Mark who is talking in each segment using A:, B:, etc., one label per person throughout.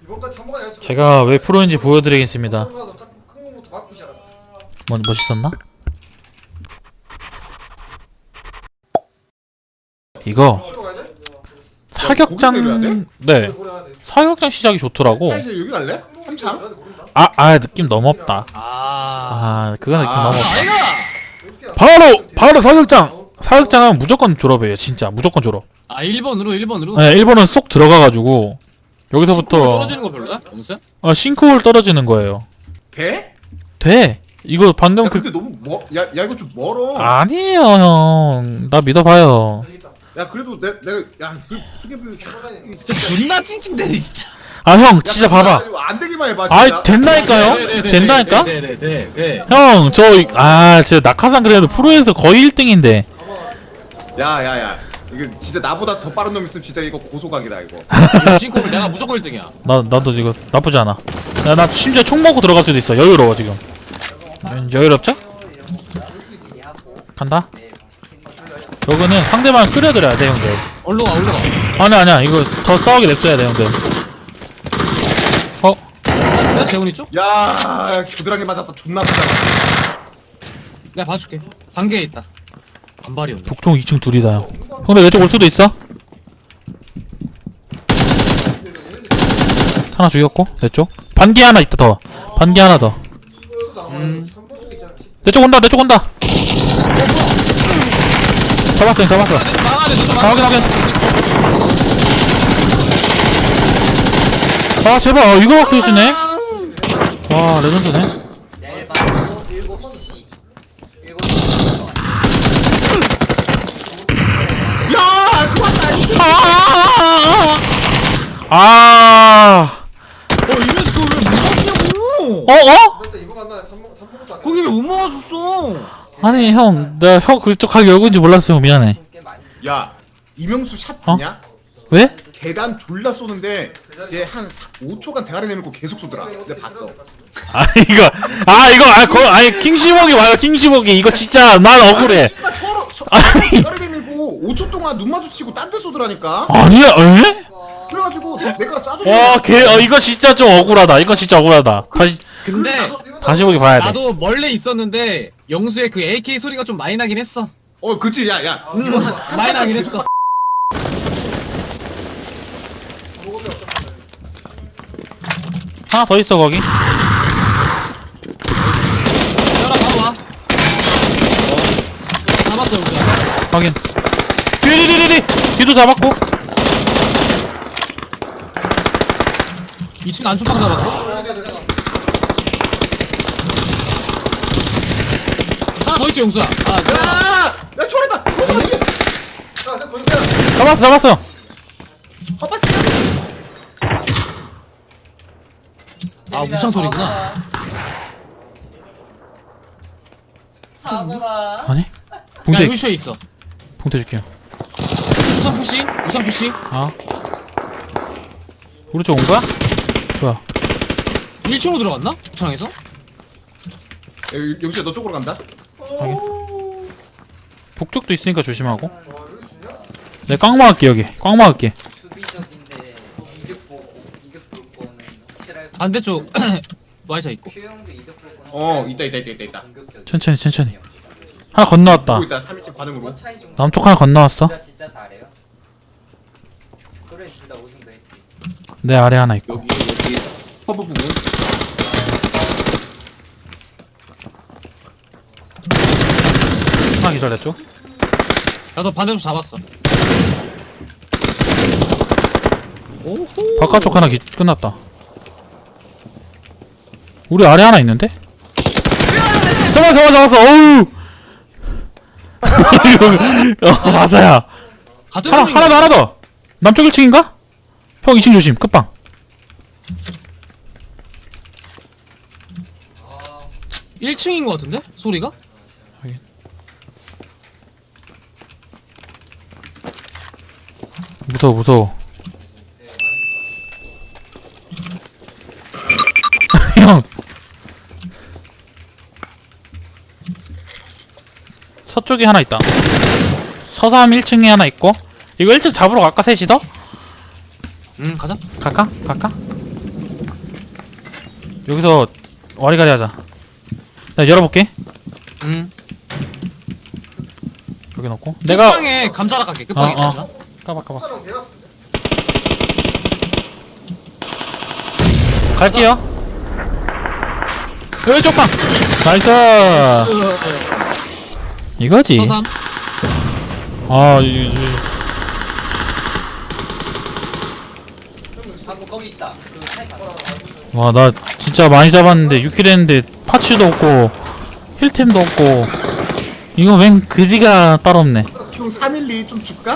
A: 제가 왜 프로인지 보여드리겠습니다. 멋있었나? 이거 사격장. 네, 사격장 시작이 좋더라고.
B: 여기 갈래? 3창?
A: 느낌 너무 없다. 그거 느낌 너무 없다.
C: 아이가.
A: 바로 사격장은 무조건 졸업이에요. 진짜 무조건 졸업.
C: 1번으로.
A: 네, 1번은 쏙 들어가가지고 여기서부터
C: 떨어지는 거 별로야? 영수야?
A: 싱크홀 떨어지는 거예요. 돼. 이거 방금
B: 근데 너무 야 이거 좀 멀어.
A: 아니에요, 형. 나 믿어봐요.
B: 야 그래도 내가
C: 진짜 존나 찡찡대네 진짜.
A: 형, 진짜 봐봐.
B: 안 되기만 해봐. 진짜.
A: 된다니까요? 된다니까?
C: 네네네.
A: 형, 진짜 낙하산 그래도 프로에서 거의 1등인데.
B: 야야야. 이거 진짜 나보다 더 빠른 놈 있으면 진짜 이거 고소각이다 이거.
C: 싱크홀 내가 무조건 1등이야.
A: 나도 이거 나쁘지 않아. 나 심지어 총 먹고 들어갈 수도 있어. 여유로워, 지금. 여유롭죠? 간다? 여기는 상대방 끌어들여야 돼, 형들.
C: 올라가.
A: 아니야. 이거 더 싸우게 냅둬야 돼, 형들.
C: 내가 재훈이 쪽?
B: 야 겨드랑이 맞았다. 존나 아프잖아.
C: 내가 봐줄게. 반개에 있다. 반발이 온다.
A: 북총 2층 둘이다, 형. 형들 내 쪽 올 수도 있어? 하나 죽였고, 내 쪽. 반기 하나 있다, 더. 반기 하나 더. 내 쪽 온다. 잡았어. 확인. 제발, 이거밖에 해주네? 와, 레전드네.
B: 야 그만다.
C: 이래서 그걸 왜 못 먹었냐고. 거기 왜 못 먹었었어?
A: 아니, 형, 형 그쪽 가게 열고인지 몰랐어요. 미안해.
B: 야 이명수 샷
A: 어?
B: 봤냐?
A: 왜?
B: 계단 졸라 쏘는데 이제 한 5초간 대가리 내밀고 계속 쏘더라. 내가 봤어.
A: 킹시복이 와요, 킹시복이. 이거 진짜, 난 억울해.
B: 서로 대가리 내밀고 5초 동안 눈 마주치고 딴 데 쏘더라니까.
A: 아니야, 에?
B: 그래가지고 내가
A: 와, 이거 진짜 좀 억울하다.
C: 근데
A: 다시 보기 봐야 돼.
C: 나도 멀리 있었는데 영수의 그 AK 소리가 좀 많이 나긴 했어.
B: 그치 야 이거 한
C: 많이 나긴 했어.
A: 하나 더 있어, 거기.
C: 열아 바로 와. 잡았어 영수야.
A: 확인. 뒤도 잡았고.
C: 2층 안쪽방 잡았어. 하나 더 있지 영수야.
B: 야 초래다.
A: 잡았어.
C: 우창 소리구나.
A: 아니?
C: 야
A: 봉태
C: 루시오에 있어.
A: 줄게요.
C: 우창 푸시.
A: 우리 쪽 온 거야? 좋아.
C: 1층으로 들어갔나? 우창에서?
B: 영수야 너 쪽으로 간다.
A: 북쪽도 있으니까 조심하고. 내 꽉 막을게, 여기. 꽉 막을게.
D: 수비적인데 이득 보고 거는 확실할
C: 반대쪽 와이사 있고.
D: 효용도 이득 보고
B: 있다.
A: 천천히. 하나 건너왔다.
B: 보고 있다. 3인칭 반응으로.
D: 차이 좀
A: 남쪽 하나 건너왔어.
D: 진짜 잘해요. 그래 둘다 우승도 했지.
A: 내 아래 하나 있고.
B: 여기 허브 부분.
A: 하나 기다렸죠?
C: 나도 반대쪽 잡았어. 오호.
A: 바깥쪽 하나 끝났다. 우리 아래 하나 있는데? 잡았어. 어우. 마사야.
C: 같은
A: 하나 더. 남쪽 1층인가? 형 2층 조심. 끝방.
C: 1층인 것 같은데? 소리가?
A: 무서워. 형. 서쪽에 하나 있다. 서삼 1층에 하나 있고. 이거 1층 잡으러 갈까, 셋이서?
C: 가자.
A: 갈까? 여기서 와리가리 하자. 나 열어볼게.
C: 응.
A: 여기 넣고. 내가
C: 끝방에 감자락 갈게. 끝방에 감자.
A: 까봐. 갈게요. 왼쪽 방. 나이스. 이거지.
C: 서삼.
A: 아,
D: 방금 거기 있다. 그 타이탄.
A: 와, 나 진짜 많이 잡았는데 6킬 했는데 파츠도 없고 힐템도 없고 이거 웬 그지가 따로 없네.
B: 형 312 좀 줄까?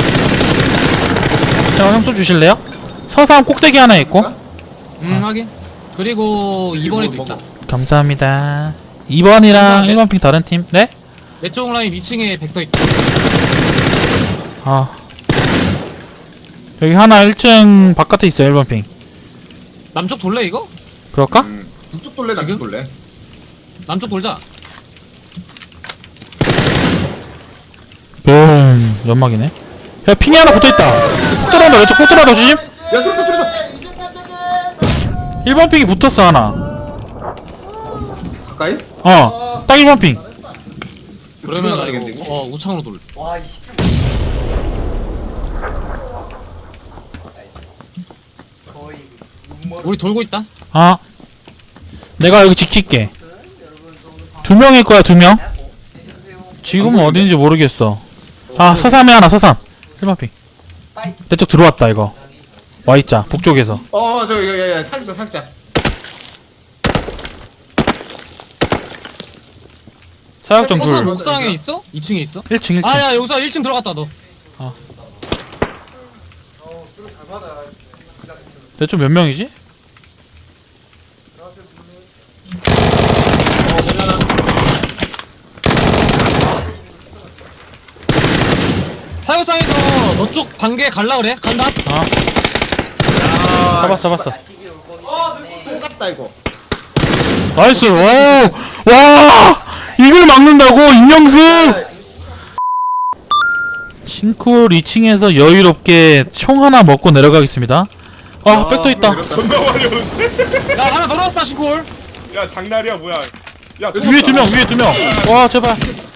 A: 자, 형 또 주실래요? 서상 꼭대기 하나 있고.
C: 확인. 그리고 2번에도 있다.
A: 감사합니다. 2번이랑 1번 핑 다른 팀. 네?
C: 내 쪽 라인 2층에 벡터 있다.
A: 아. 여기 하나 1층 바깥에 있어요, 1번 핑.
C: 남쪽 돌래 이거?
A: 그럴까?
B: 북쪽 돌래 남쪽
C: 지금?
B: 돌래?
C: 남쪽 돌자.
A: 연막이네. 야, 핑이 하나 붙어있다. 폭 들어온다, 왼쪽 폭 들어온다, 조심.
B: 야 소리다
A: 1번 핑이 붙었어, 하나.
B: 가까이?
A: 딱 1번 핑.
C: 그러면 나
B: 되겠네,
C: 이거 우창으로 돌.
D: 와, 이 시켜. 거의 눈머리.
C: 우리 돌고 있다.
A: 내가 여기 지킬게.
D: 여러분 좀
A: 2명일 거야, 2명.
D: 하고 해주세요.
A: 지금은 어딘지 모르겠어. 서삼에 하나, 서삼. 1번 핑.
D: 빠이.
A: 내 쪽 들어왔다, 이거. Y자, 북쪽에서.
B: 야야 살짝
A: 사역전
C: 서삼
A: 둘.
C: 옥상에 있어? 2층에 있어?
A: 1층.
C: 아야 여기서 1층 들어갔다 너.
A: 내 쪽 몇 명이지?
C: 사육장에서 너 쪽 반개 갈라 그래? 간다.
A: 잡았어.
D: 아식이 올 거기 때문에.
B: 똑같다 이거
A: 나이스. 와! 이걸 막는다고? 임영승! 싱쿨 2층에서 여유롭게 총 하나 먹고 내려가겠습니다. 백도 있다.
E: 존나 많이 오는데?
C: 야 하나 더 나왔다 시골.
E: 야 장난이야 뭐야? 야
A: 위에 2명, 위에 2명. 와, 제발.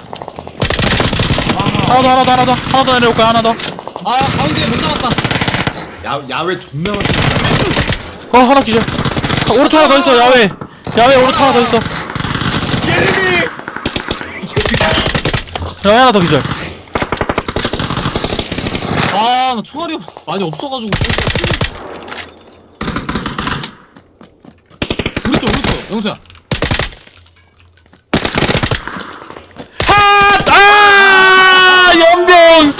A: 하나 더 내려올까, 하나 더.
C: 아 가운데 못 나왔다.
B: 야외 존나 많다
A: 하나 기절. 오른쪽 하나 더 있어, 야외. 야외 오른쪽 하나 더 있어.
E: 예림이!
A: 야외 하나 더 기절.
C: 아 나 총알이 많이 없어가지고. 우리 쪽 영수야.
A: 연병!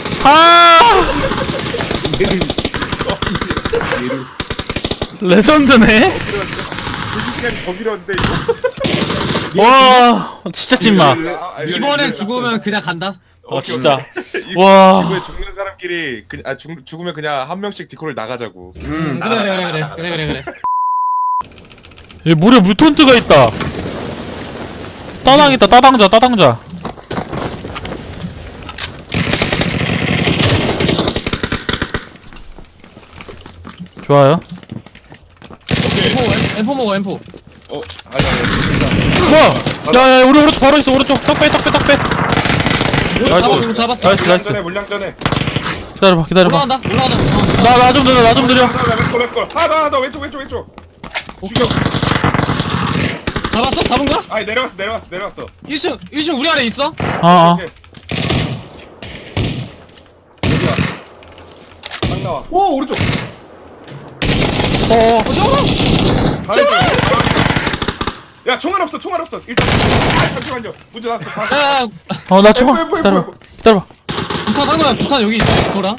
A: 레전드네?
E: 시간이 더 길었는데 이거?
A: 와, 진짜 찐마.
C: 이번엔 죽으면 그냥 간다.
A: 진짜.
E: 오케이.
A: 와.
E: 이번에 죽는 사람끼리 죽으면 그냥 한 명씩 디코를 나가자고.
C: 그래.
A: 여기 물에 물톤트가 있다. 따당 있다, 따당자. 좋아요.
C: M4 먹어 M4.
E: 아니
A: 뭐야? 야, 우리 오른쪽 바로 있어, 오른쪽. 딱 빼. 나이스.
C: 잡았어.
A: 나이스.
E: 물량 전에.
A: 기다려봐.
C: 올라간다.
A: 나 좀 느려.
E: 렛츠고. 하나 더 왼쪽. 죽여.
C: 잡았어? 잡은 거야?
E: 아니 내려갔어.
C: 1층 우리 안에 있어?
E: 오케이. 어디야? 딱 나와.
B: 오 오른쪽
E: 야 총알 없어. 일단 잠시만요. 문제 났어.
C: 야
A: 나 총알. 기다려봐.
C: 부탄 한 거야. 부탄 여기 있어. 그거랑.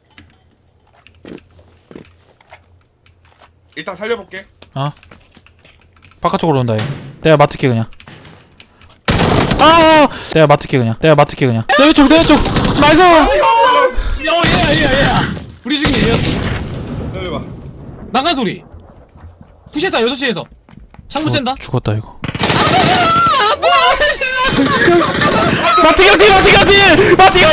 E: 일단 살려볼게.
A: 바깥쪽으로 온다, 얘. 내가 맡을게, 그냥. 내가 맡을게, 그냥. 내 왼쪽. 나이스!
C: 얘야. 우리 중에 얘였어.
E: 기다려봐.
C: 난간 소리. 푸시했다 6시에서. 창문 쨘다.
A: 죽었다, 이거. 마티가티!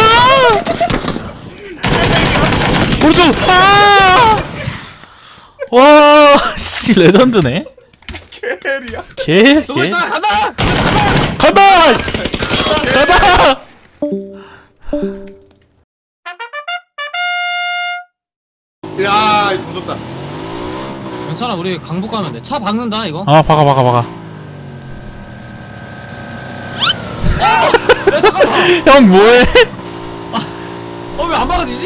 A: 오른쪽! 와, 씨, 레전드네.
E: 캐리야.
A: 개,
C: 쏘고
A: 개.
C: 있다 간다.
A: 간다! 간다!
B: 야 이거 조졌다.
C: 괜찮아 우리 강북 가면 돼. 차 박는다 이거.
A: 아, 박아, 박아, 박아.
C: 야 잠깐만.
A: 형, 뭐해?
C: 왜 안 박아지지?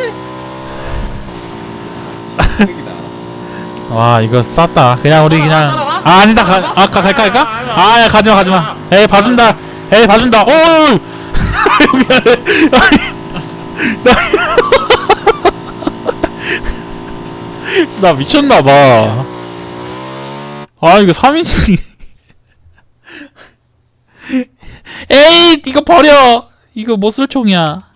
A: 와, 이거 쌌다. 그냥 우리 그냥.
C: 따라와?
A: 아, 아니다. 갈까? 아, 야, 가지마, 가지마. 에이, 봐준다. 에이, 봐준다. 오! 미안해. 나 미쳤나봐. 아, 이거 3인칭. 에이, 이거 버려. 이거 못 쓸 총이야.